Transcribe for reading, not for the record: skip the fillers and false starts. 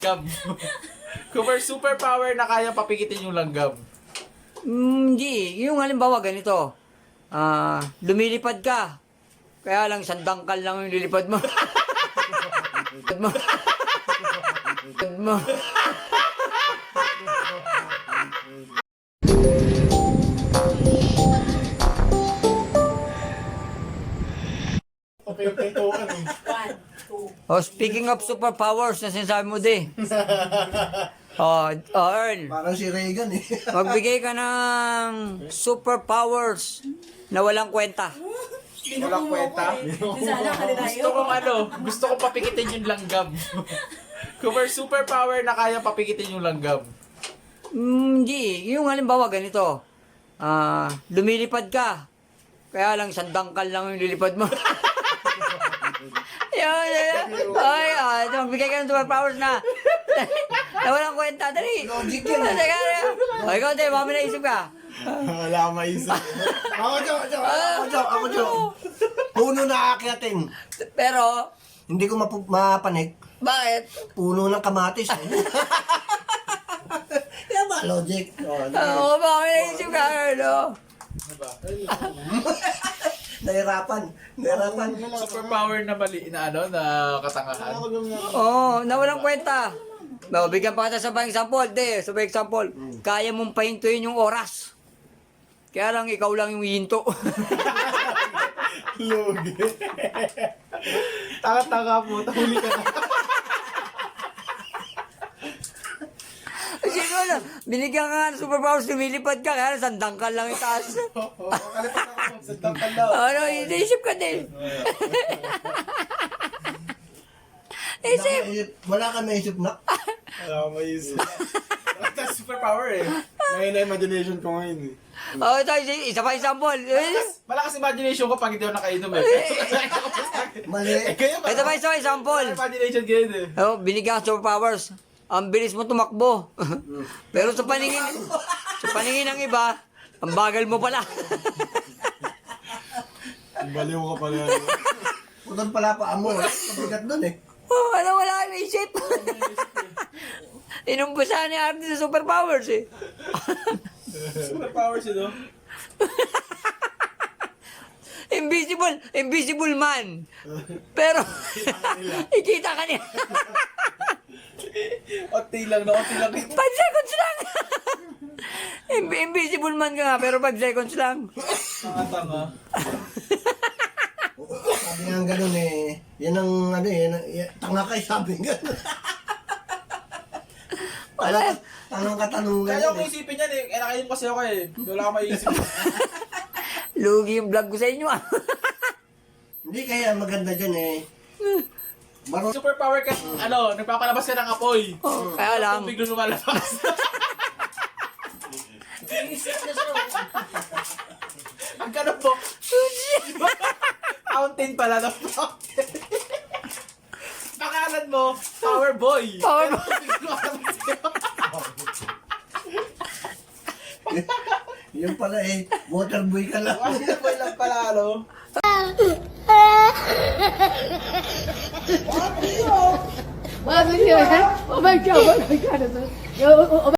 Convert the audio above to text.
Langgam. Kung may superpower na kaya papikitin yung langgam. Hindi. Yung halimbawa ganito. Lumilipad ka. Kaya lang isang dangkal lang yung lilipad mo. mo. Speaking of superpowers na sinasabi mo di. Earl. Parang si Reagan eh. Magbigay ka ng superpowers na walang kwenta. Walang kwenta. Gusto kong papikitin yung langgam. Kung may superpower na kaya papikitin yung langgam. Hindi. Yung halimbawa ganito. Lumilipad ka. Kaya lang isang dangkal lang yung lilipad mo. Magbigay ka ng superpowers na walang kwenta. Dali. Logic yun. Ikaw, di, baka may naisip ka. Wala akong maisip. Ako, Jo. Puno na aakyatin. Pero, Hindi ko mapanik. bakit? Puno ng kamatis. Kaya ba, logic? Baka may naisip ka, Earl. Nahirapan. Superpower na mali na katangahan. Na walang kwenta. Bigyan pa kita sa example. Sa example, kaya mong pahintuin yung oras. Kaya lang, ikaw lang yung hinto. Lugi. Taka-taka po. Tahuli ka na. Sino na? Binigyan ka nga ng superpowers, lumilipad ka, kaya lang sandangkal lang itaas. Kalipat ako. Sa tangkal daw. Isip ka din. Wala ka naisip na. Wala akong maisip. That's superpower eh. Ngayon na imagination ko ngayon eh. Ito, isa pa example. Malakas imagination ko pag hindi ako nakainom eh. Mali. Kaya ba? Ito pa isa example. Imagination ganyan eh. Binigyan ka ng superpowers. Ang bilis mo tumakbo. Pero sa paningin ng iba, ang bagal mo pala. Baliw ka pala. Putol pala pa mo. Pabigat dun eh. Wala kang isip. Inumpusahan ni Arte sa superpowers eh. Superpower siya no? Invisible man. Pero, ikita ka niya. Onti lang. 5 seconds lang. Invisible man ka nga, pero 5 seconds lang. Tanga-tanga. Sabi nga ganun eh. Yan ang tanga kay sabi nga. Tanong Kaya ako isipin yan eh. Nakainom kasi ako eh. Wala akong maisip. Lugi yung vlog ko sa inyo ah. Hindi kaya maganda dyan eh. Superpower ka, nagpapalabas ka ng apoy. Kaya lang. Biglang lumalabas. Ang ganun po. Fountain pala na fountain. Pangalan mo, Power Boy. Power Boy. Yun pala eh. Water boy ka lang. Water Boy lang pala, Oh my god, oh my god.